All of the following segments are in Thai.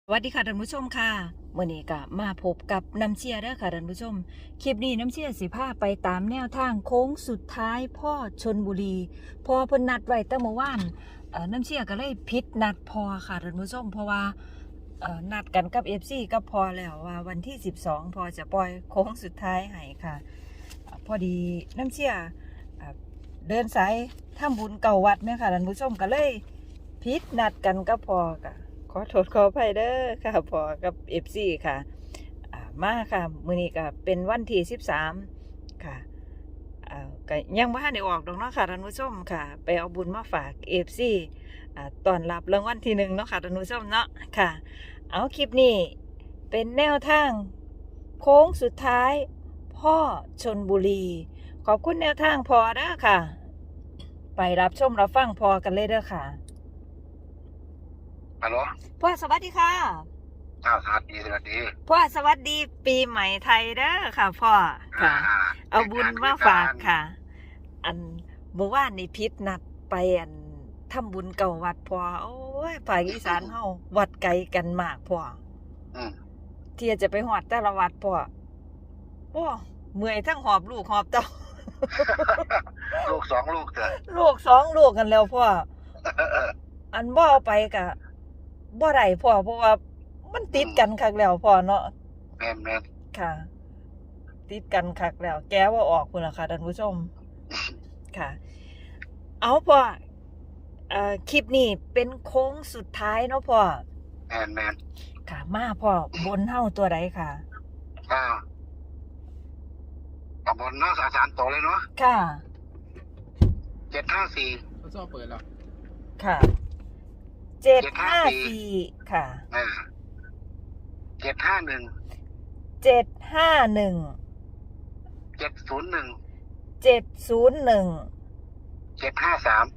สวัสดีค่ะท่านผู้ชมค่ะเมื่อนี้ก็มาพบกับน้ำเชียร์เด้อค่ะท่านผู้ชมคลิปนี้น้ำเชียร์สิพาไปตามแนวทางโค้งสุดท้ายพ่อชลบุรีพอเพิ่นนัดไว้ตั้งเมื่อวานน้ำเชียร์ก็เลยผิดนัดพอค่ะท่านผู้ชมเพราะว่านัดกันกับ FC ก็พอแล้วว่าวันที่12พอจะปล่อยโค้งสุดท้ายให้ค่ะพอดีน้ำเชียร์เดินสายทำบุญเก่าวัดแม่ค่ะท่านผู้ชมก็เลยผิดนัดกันก็พอค่ะขอโทษขออภัยเด้อค่ะพอกับ FC ค่ะมาค่ะมื้อนี้ก็เป็นวันที่13ค่ะก็ยังบ่ทันได้ออกดอกเนาะค่ะท่านผู้ชมค่ะไปเอาบุญมาฝาก FC ต้อนรับรางวัลที่1เนาะค่ะท่านผู้ชมเนาะค่ะเอาคลิปนี้เป็นแนวทางโค้งสุดท้ายพ่อชลบุรีขอบคุณแนวทางพอเด้อค่ะไปรับชมรับฟังพอกันเลยเด้อค่ะฮัลโหลพ่อสวัสดีค่ะสวัสดีพ่อสวัสดีปีใหม่ไทยเด้อค่ะพ่อค่ะเอาบุญมาฝากค่ะอันเมื่อวานนี่พิษนัดไปอันทำบุญเก่าวัดพ่อโอ้ยภาคอีสานเฮาวัดไกลกันมากพ่อเที่จะไปหอดแต่ละวัดพ่อโอ้เมื่อยทั้งหอบลูกหอบเต้าลูกสองลูกเถอะลูก2 ลูกกันแล้วพ่ออันบ่เอาไปกะบ่ได้พ่อเพราะว่ามันติดกันคักแล้วพ่อเนาะแม่นค่ะติดกันคักแล้วแก้ว่าออกพุ่นล่ะค่ะท่านผู้ชมค่ะเอาพ่อคลิปนี้เป็นโค้งสุดท้ายเนาะพ่อแม่นค่ะมาพ่อบนเฮาตัวใดค่ะตำบลเนาะสารโตเลยเนาะค่ะ 754 เขาชอบเปิดหรอค่ะ754ค่ะ 751 751 701 701 753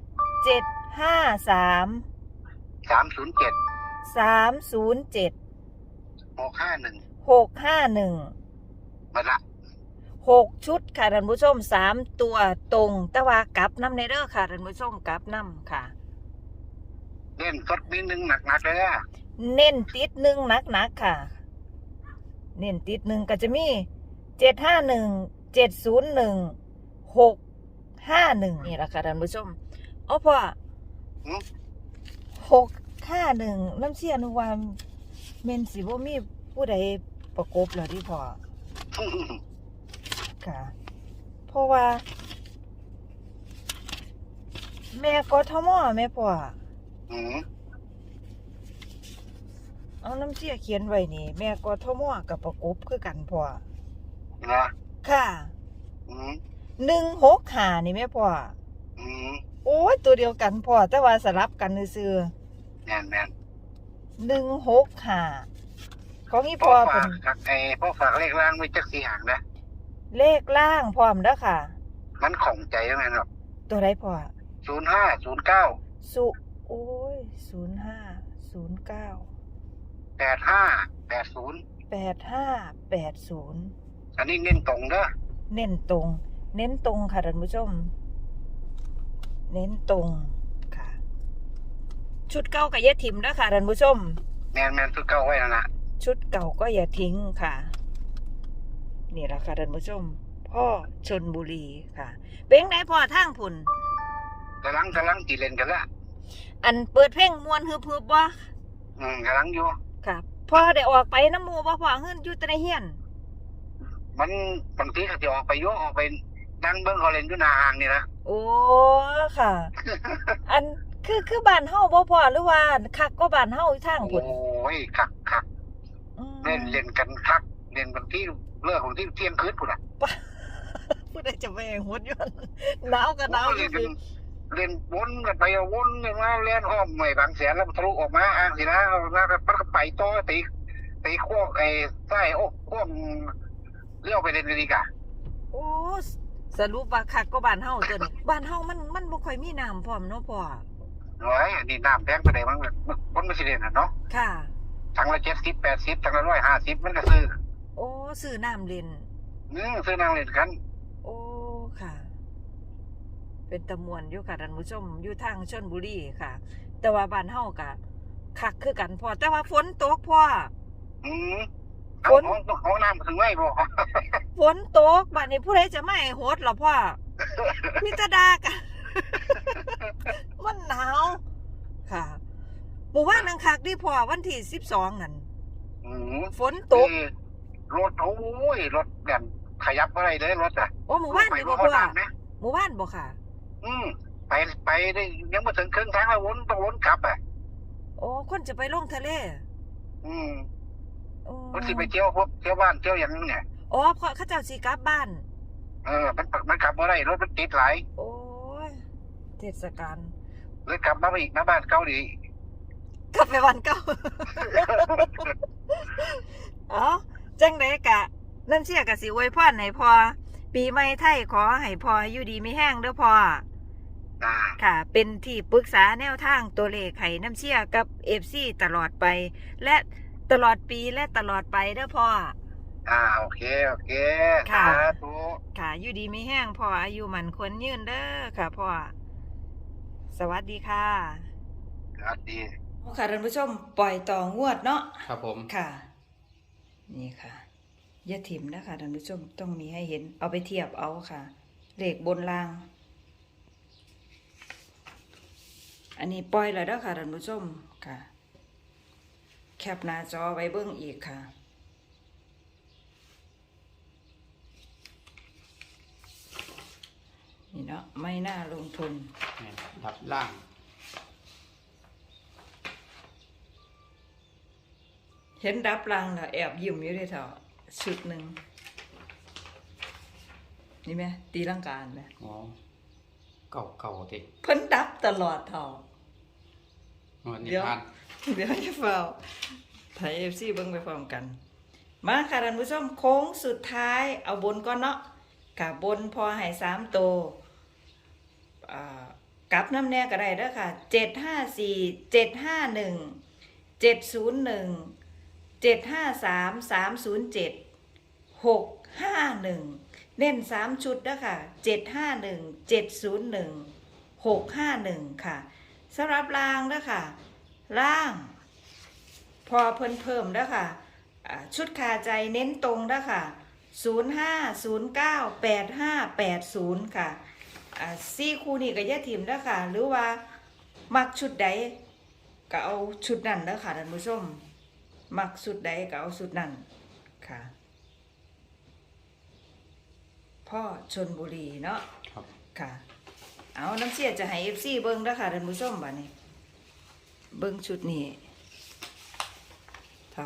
753 307 307 651 651 มาละ 6ชุดค่ะท่านผู้ชม3ตัวตรงแต่ว่ากลับน้ำในเด้อค่ะท่านผู้ชมกลับน้ำค่ะเล่นสดนิดนึงหนักเลยอ่ะเน้นติด1หนักค่ะเน้นติด1ก็จะมี751 701 651นี่แหละค่ะท่านผู้ชมเอาพ่อ651น้ำเชี่ยนึกว่าเมนสิบ่มีผู้ใดประกบเหรอที่พ่อค่ะเพราะว่าแม่กทมแม่พ่อเอาน้ำเชี่ยเขียนไว้นี่แม่กทมกับประกบคือกันพ่อนะค่ะ165นี่แม่พ่อโอ้ยตัวเดียวกันพ่อแต่ว่าสลับกันซื่อแม่น 165ของอีพ่อเป็นพ่อฝากเลขล่างไว้จัก4หางนะเลขล่างพร้อมเด้อค่ะมันของใจยังไงครับตัวใดพ่อ 0509 โอ้ย0509 8580 อันนี้เน้นตรงเด้อเน้นตรงค่ะท่านผู้ชมเน้นตรงค่ะชุดเก่าก็อย่าทิ้งนะค่ะท่านผู้ชมแม่นชุดเก่าไว้นั่นล่ะชุดเก่าก็อย่าทิ้งค่ะนี่แหละค่ะท่านผู้ชมพ่อชลบุรีค่ะเป็นไงพ่อทางพุ่นกำลังตีเล่นกันละอันเปิดเพลงมวนฮึบบ่กำลังอยู่ค่ะพ่อได้ออกไปน้ำหมู่บ่พ่อเฮือนอยู่แต่ในเฮียนมันบางทีก็จะออกไปออกไปนั่งเบิ่งเขาเล่นอยู่หน้าห้างนี่นะโอ้ค่ะ อันคือบ้านเฮาบ่พ่อหรือว่าคักก็บ้านเฮาอีทางพุ่นโอ้ยคักเล่นกันคักเล่นบางทีเลิกของที่เที่ยงคืนพุ่นน่ะผู้ใดจะไปหัวย้อนหนาวก็หนาวเล่นวนกันไปวนกันมาเล่นอ้อมไม่บางแสนแล้วทะลุออกมาอ่างสินะแล้วก็ไปต่อตีโค้งใต้โค้งเลี้ยวไปเล่นกันอีกอ่ะโอ้สรุปว่าคักก็บ้านเฮาตัวนี้บ้านเฮามันบ่ค่อยมีน้ำพร้อมเนาะพ่อโอ้ยนี่น้ำแพงไปได้มั้งคนไม่สิเล่นน่ะเนาะค่ะถังละ70 80ถังละ150มันก็ซื้อโอ้ซื้อน้ำเล่นซื้อน้ำเล่นกันโอ้ค่ะเป็นตะมวนอยู่ค่ะท่านผู้ชมอยู่ทางชลบุรีค่ะแต่ว่าบ้านเฮาก็คักคือกันพ่อแต่ว่าฝนตกพ่ออืมฝนห้องน้ำถึงไม่บอกฝนตกบัดนี้ผู้ใดจะไม่ให้โฮดหรอพ่อมิตรดากัน มันหนาวค่ะหมู่บ้านนังคักดิพ่อวันที่12นั่นอืมฝนตกรถโอ้ยรถแบบขยับอะไรเลยรถอ่ะโอ้หมู่บ้านไปนี่บ่บ่ห้องพ่อน้ำนะหมู่บ้านบ่ค่ะอืมไปได้ยังไม่ถึงครึ่งทางแล้ววนต้องวนกลับอ่ะโอ้คนจะไปลงทะเลอืมโอ้มันสิไปเที่ยวพวกเที่ยวบ้านเที่ยวอย่างนี้เนี่ยอ๋อเพราะเขาเจ้าสิกลับบ้านมันกลับมาได้รถมันติดหลายโอ้ยเทศกาลเลยกลับมาอีกมาบ้านเกาหลีกลับไปวันเก่า เอ้าจังไดกะน้ำเชี่ยกะสิอวยพรให้พ่อปีใหม่ไทยขอให้พ่ออยู่ดีมีแห้งเด้อพ่ออ่าค่ะ เป็นที่ปรึกษาแนวทางตัวเลขให้น้ำเชี่ยกับ FC ตลอดไป และตลอดปีและตลอดไปเด้อพ่อโอเคค่ะสาธุค่ะอยู่ดีมีแห้งพ่ออายุมันควรยืนเด้อค่ะพ่อสวัสดีค่ะสวัสดีค่ะท่านผู้ชมปล่อยต่องวดเนาะครับผมค่ะ นี่ค่ะอย่าถิ่มนะคะท่านผู้ชมต้องมีให้เห็นเอาไปเทียบเอาค่ะเลขบนล่าง อันนี้ปล่อยแล้วเด้อค่ะท่านผู้ชมค่ะ แคปหน้าจอไว้เบิ่งอีกค่ะ นี่เนาะไม่น่าลงทุนเนี่ยดับล่างเห็นดับลังน่ะแอบยิ้มอยู่ด้วยเถอะชุดหนึ่งนี่ไหมตีลังกาไหมอ๋อเก่าติเพิ่นดับตลอดเถอะวันนี้เดี๋ยวผ่านเดี๋ยวจะเฝ้าไทยเอฟซีเบิ่งไปพร้อมกัน มาค่ะท่านผู้ชมโค้งสุดท้ายเอาบนก่อนเนาะกับบนพอให้3ตัวกลับน้ำแน่ก็ได้เด้อค่ะ754 751 701 753 307 651เน้น3ชุดเด้อค่ะ751 701 651ค่ะสำหรับล่างเด้อค่ะล่าง พอเพิ่มเด้อค่ะชุดคาใจเน้นตรงเด้อค่ะ05 09 85 80ค่ะ4คู่นี้ก็อย่าถิ่มเด้อค่ะหรือว่ามักชุดใดก็เอาชุดนั้นเด้อค่ะท่านผู้ชมมักชุดใดก็เอาชุดนั้นค่ะพ่อชลบุรีเนาะครับค่ะเอาน้ำเสียจะให้ FC เบิ่งเด้อค่ะท่านผู้ชมบัดนี้เบิ่งชุดนี้เท่า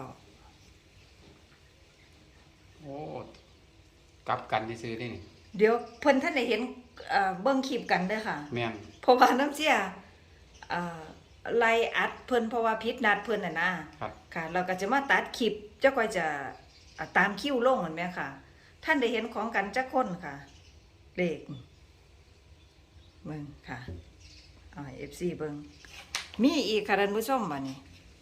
โอ้กลับกันที่ซื้อๆนี่นี่เดี๋ยวเพิ่นท่านได้เห็นเบิ่งคลิปกันเด้อค่ะแม่นเพราะว่าน้ำเสียไล่อัดเพิ่นเพราะว่าผิดนัดเพิ่นน่ะนะครับ ค่ะเราก็จะมาตัดคลิปเจ้าก็จะตามคิวลงเหมือนแม่ค่ะ ท่านได้เห็นของกันจักคนค่ะเลขเบิ่งค่ะเอาให้ FC เบิ่งมีอีกค่ะท่านผู้ชมบัดนี้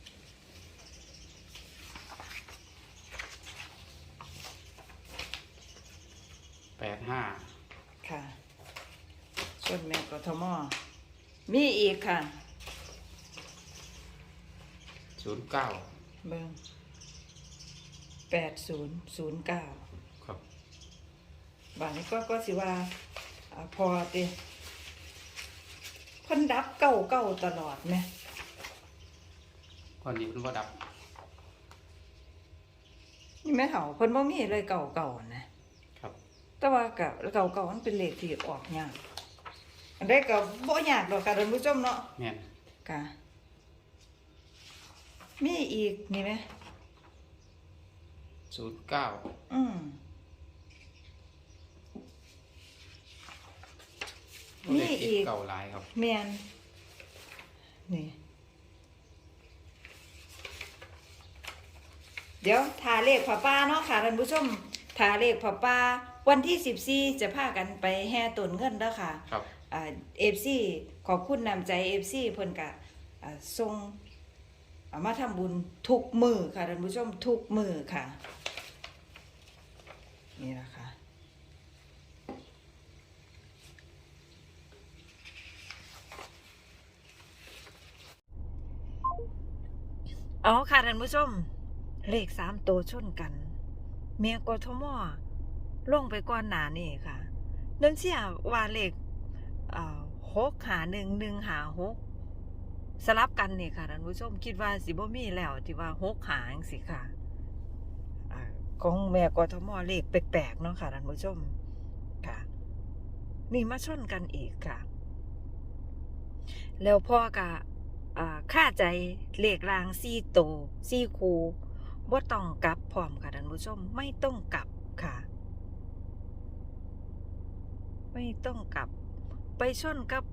85 ค่ะส่วนแม่กทมมีอีกค่ะ 09 เบิ่ง8009 ครับบางนี้ก็สิว่าพอติเพิ่นดับเก่าตลอดแหมวันนี้เพิ่นบ่ดับนี่แม่เฒ่าเพิ่นบ่มีเลยเก่านะครับ แต่ว่าก็เก่ามันเป็นเลขที่ออกยากอันใดก็บ่ยากดอกค่ะท่านผู้ชมเนาะแม่นค่ะมีอีกนี่ไหม 09 อืม มีเลขอีกเก่าหลายครับแม่นนี่เดี๋ยวทาเลขผ้าป่าเนาะค่ะท่านผู้ชมทาเลขผ้าป่าวันที่14จะพากันไปแห่ต้นเงินเด้อค่ะครับ FC ขอบคุณนำใจ FC เพิ่นก็ส่งมาทำบุญทุกมือค่ะท่านผู้ชมทุกมือค่ะ นี่ล่ะค่ะอ๋อค่ะท่านผู้ชมเลข3ตัวชนกันเมียกทมลงไปก่อนหน้านี่ค่ะน้ำเชี่ยว่าเลข6 หา 1 1 หา 6สลับกันนี่ค่ะท่านผู้ชมคิดว่าสิบ่มีแล้วที่ว่า6 หาจังซี่ค่ะของแม่กทมเลขแปลกๆเนาะค่ะท่านผู้ชมค่ะนี่มาชนกันอีกค่ะแล้วพ่อก็ค่าใจเลขราง4 ตัว4 คู่บ่ต้องกลับพร้อมค่ะท่านผู้ชมไม่ต้องกลับค่ะไม่ต้องกลับไปชนกับ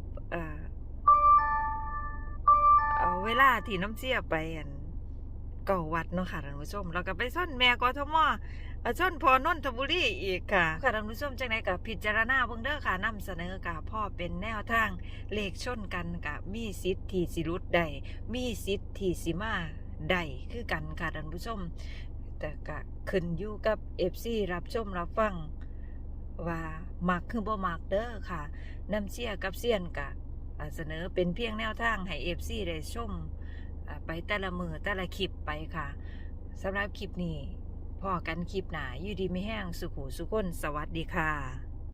เวลาที่น้ำเสียไปเก่าวัดเนาะค่ะท่านผู้ชมแล้วก็ไปชนแม่กทมชนพอนนทบุรีอีกค่ะค่ะท่านผู้ชมจังได๋ก็พิจารณาเบิ่งเด้อค่ะนำเสนอค่ะพ่อเป็นแนวทางเลขชนกันก็มีสิทธิ์ที่สิหลุดได้มีสิทธิ์ที่สิมาได้คือกันค่ะท่านผู้ชมแต่ก็ขึ้นอยู่กับ FC รับชมรับฟังว่ามักคือบ่มักเด้อค่ะน้ำเชี่ยกับเซียนก็เสนอเป็นเพียงแนวทางให้ FC ได้ชมไปแต่ละมือแต่ละคลิปไปค่ะสำหรับคลิปนี้พอกันคลิปหน้าอยู่ดีไม่แห้งสุขุสุขคนสวัสดีค่ะ